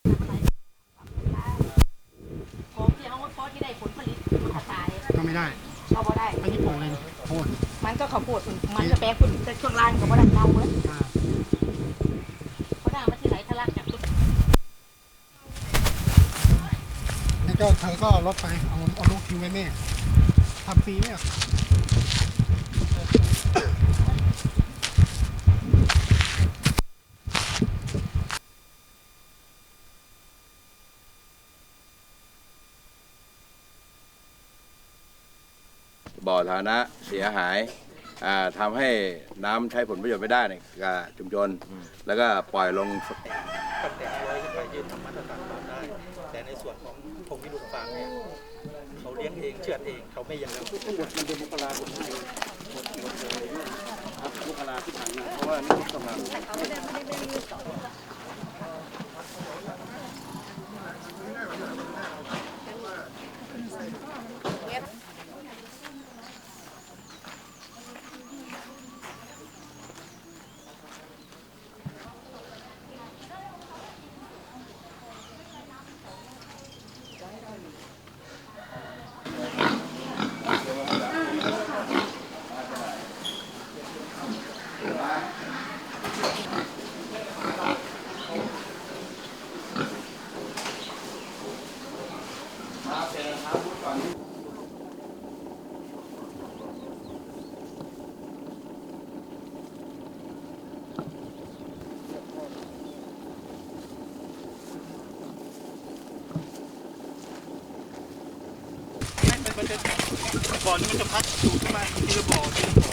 ของที่เขาพอที่ได้ผลผลิตกระต่ายก็ไม่ได้เราบ่ได้อันนี้ปลูกอะไรโพดมันก็ข้าวโพดมันจะแปลงคุณแต่ช่วงล่างก็บ่ได้เน่าเลยเพราะด่างมันที่ไหลทะลักจากต้นนี่ก็เธอก็ลดไปเอาลูกทิ้งไว้แม่ทำฟรีไหมอ่ะบ่อฐานะเสียหายทำให้น้ำใช้ผลประโยชน์ไม่ได้ในชุมชนแล้วก็ปล่อยลงตั้งแต่100ขึ้นไปยืนทำมาตรฐานได้แต่ในส่วนของพงพิรุณฟาร์มเนี่ยเขาเลี้ยงเองเชือดเองเขาไม่ยังแล้วทั้งหมดมันเป็นมกราคมให้หมดเลยครับมกราที่ผ่านมาเพราะว่านี่ต้องมาบ่อนี้มันจะพัดสูงขึ้นมาทีละบ่อ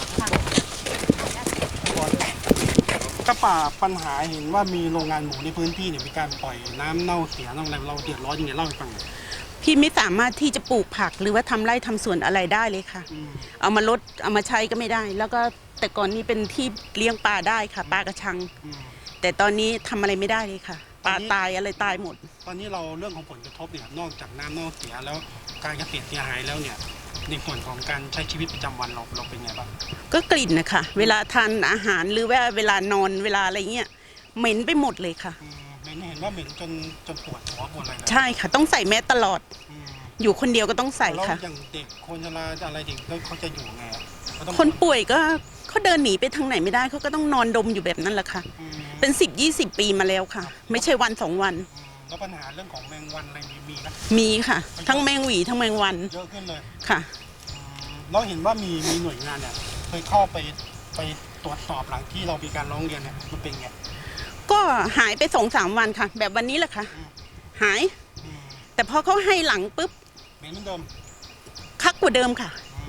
ก็ป่าปัญหาเห็นว่ามีโรงงานหมูในพื้นที่เนี่ยมีการปล่อยน้ำเน่าเสียน้ำอะไรเราเดือดร้อนยังไงเล่าให้ฟังพี่ไม่สามารถที่จะปลูกผักหรือว่าทำไร่ทำสวนอะไรได้เลยค่ะเอามาลดเอามาใช้ก็ไม่ได้แล้วก็แต่ก่อนนี้เป็นที่เลี้ยงปลาได้ค่ะปลากระชังแต่ตอนนี้ทำอะไรไม่ได้เลยค่ะปลาตายอะไรตายหมดตอนนี้เราเรื่องของผลกระทบเนี่ยนอกจากน้ำเน่าเสียแล้วการเกษตรเสียหายแล้วเนี่ยในส่วนของการใช้ชีวิตประจำวันเราเป็นไงบ้างก็กลิ่นนะคะเวลาทานอาหารหรือว่าเวลานอนเวลาอะไรเงี้ยเหม็นไปหมดเลยค่ะเหม็นเห็นว่าเหม็นจนปวดหัวปวดอะไรใช่ค่ะต้องใส่แมสตลอดอยู่คนเดียวก็ต้องใส่ค่ะอย่างเด็กคนชราอะไรเด็กเขาจะอยู่ไงคนป่วยก็เขาเดินหนีไปทางไหนไม่ได้เขาก็ต้องนอนดมอยู่แบบนั้นแหละค่ะเป็น10-20 ปีมาแล้วค่ะไม่ใช่วัน2 วันแล้วปัญหาเรื่องของแมงวันอะไรมีไหมมีค่ะทั้งแมงหวีทั้งแมงวันเยอะขึ้นเลยค่ะเราเห็นว่ามีหน่วยงานเนี่ยเคยเข้าไปตรวจสอบหลังที่เรามีการร้องเรียนเนี่ยมันเป็นไงก็หายไป2-3 วันค่ะแบบวันนี้แหละค่ะหายแต่พอเขาให้หลังปุ๊บเหมือนเดิมคักกว่าเดิมค่ะ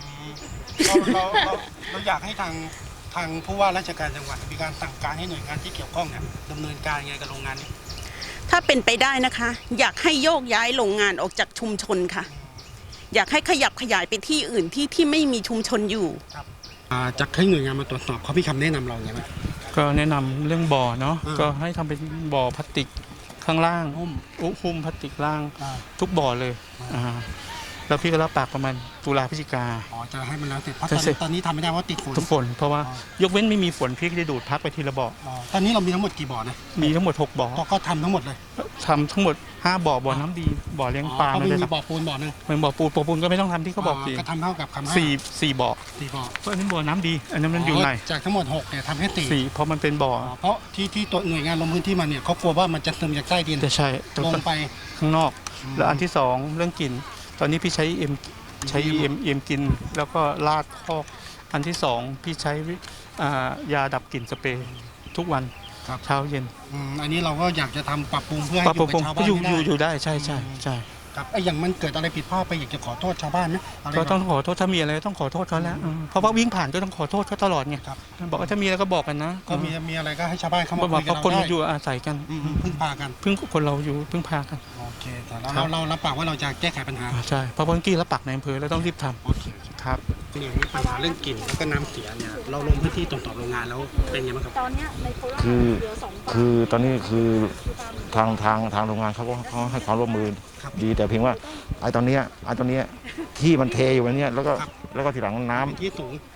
เราอยากให้ทางผู้ว่าราชการจังหวัดมีการสั่งการให้หน่วยงานที่เกี่ยวข้องเนี่ยดำเนินการยังไงกับโรงงานนี้ถ้าเป็นไปได้นะคะอยากให้โยกย้ายโรงงานออกจากชุมชนค่ะอยากให้ขยับขยายไปที่อื่นที่ไม่มีชุมชนอยู่จากให้หน่วยงานมาตรวจสอบเขาพี่คำแนะนำเราไงไหมก็แนะนำเรื่องบ่อเนาะก็ให้ทำเป็นบ่อพลาสติกข้างล่างหุ้มพลาสติกล่างทุกบ่อเลยแล้วพี่ก็รับปากประมาณตุลาพฤศจิกาจะให้มันแล้วเสร็จเพราะตอนนี้ทำไม่ได้เพราะติดฝนเพราะว่ายกเว้นไม่มีฝนพี่ก็จะดูดพักไปทีละบ่อตอนนี้เรามีทั้งหมดกี่บ่อนะมีทั้งหมด6 บ่อก็ทำทั้งหมดเลยทำทั้งหมด5 บ่อน้ำดีบ่อเลี้ยงปลาไม่มีบ่อปูนบ่อนึงเป็นบ่อปูนก็ไม่ต้องทำที่เขาบอกก็ทำเท่ากับคำ 4 บ่อเพราะอันนี้บ่อน้ำดีอันนั้นมันอยู่ไหนจากทั้งหมด6เนี่ยทำให้ 4เพราะมันเป็นบ่อเพราะที่ตัวหน่วยงานลงพื้นที่มาเนี่ยเขากลัวว่ามันจะซึมจากใต้ดินจะใช่ลงไปข้างนอกแล้วอันที่2เรื่องกลิ่นตอนนี้พี่ใช้เอ็มกินแล้วก็ลาดคอกอันที่2พี่ใช้ยาดับกลิ่นสเปรย์ทุกวันเช้าเย็นอันนี้เราก็อยากจะทำปรับปรุงเพื่อให้อยู่กับชาวบ้านอยู่ได้ใช่ครับอย่างมันเกิดอะไรผิดพลาดไปอยากจะขอโทษชาวบ้านไหมก็ต้องขอโทษถ้ามีอะไรต้องขอโทษเขาแล้วเพราะว่าวิ่งผ่านก็ต้องขอโทษเขาตลอดไงบอกว่าถ้ามีอะไรก็บอกกันนะก็มีอะไรก็ให้ชาวบ้านเข้ามาคุยกันได้เพราะคนอยู่อาศัยกันพึ่งพากันคนเราอยู่พึ่งพากันโอเคแต่เรารับปากว่าเราจะแก้ไขปัญหาใช่เพราะเมื่อกี้รับปากในอำเภอแล้วต้องรีบทำโอเคครับนี่ปัญหาเรื่องกลิ่นแล้วก็น้ำเสียเนี่ยเราลงพื้นที่ตรวจสอบโรงงานแล้วเป็นยังไงครับตอนนี้ในโคราชคือตอนนี้คือทางโรงงานเขาให้ความร่วมมือดีแต่เพียงว่าไอ้ตอนนี้ที่มันเทอยู่วันนี้แล้วก็ทีหลังน้ำที่สูง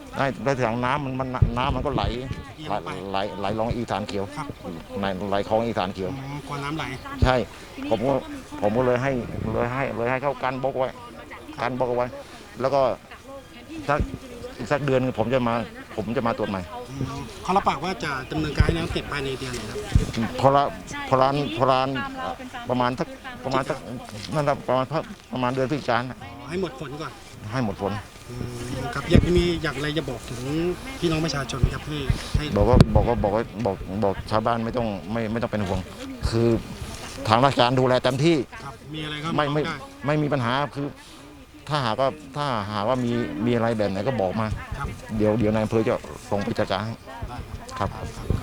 ได้ถังน้ำน้ำมันก็ไหลลงอีสานเขียวครับไหลคลองอีสานเขียวกลัวน้ำไหลใช่ผมก็เลยให้เขากันบล็อกไว้แล้วก็อีกสักเดือนผมจะมาตรวจใหม่เขารับปากว่าจะดำเนินการให้แล้วเสร็จภายในเดือนไหนครับพอร้านประมาณสักนั่นแหละประมาณเดือนพฤศจิกายนให้หมดผลก่อนให้หมดผลครับอยากอะไรจะบอกถึงพี่น้องประชาชนครับพี่ให้บอกชาวบ้านไม่ต้องเป็นห่วง คือทางราชการดูแลเต็มที่ครับมีอะไรก็ไม่มีปัญหาคือถ้าหากว่ามีอะไรแบบไหนก็บอกมาครับเดี๋ยวนายอำเภอจะส่งไปจัดการให้ครับ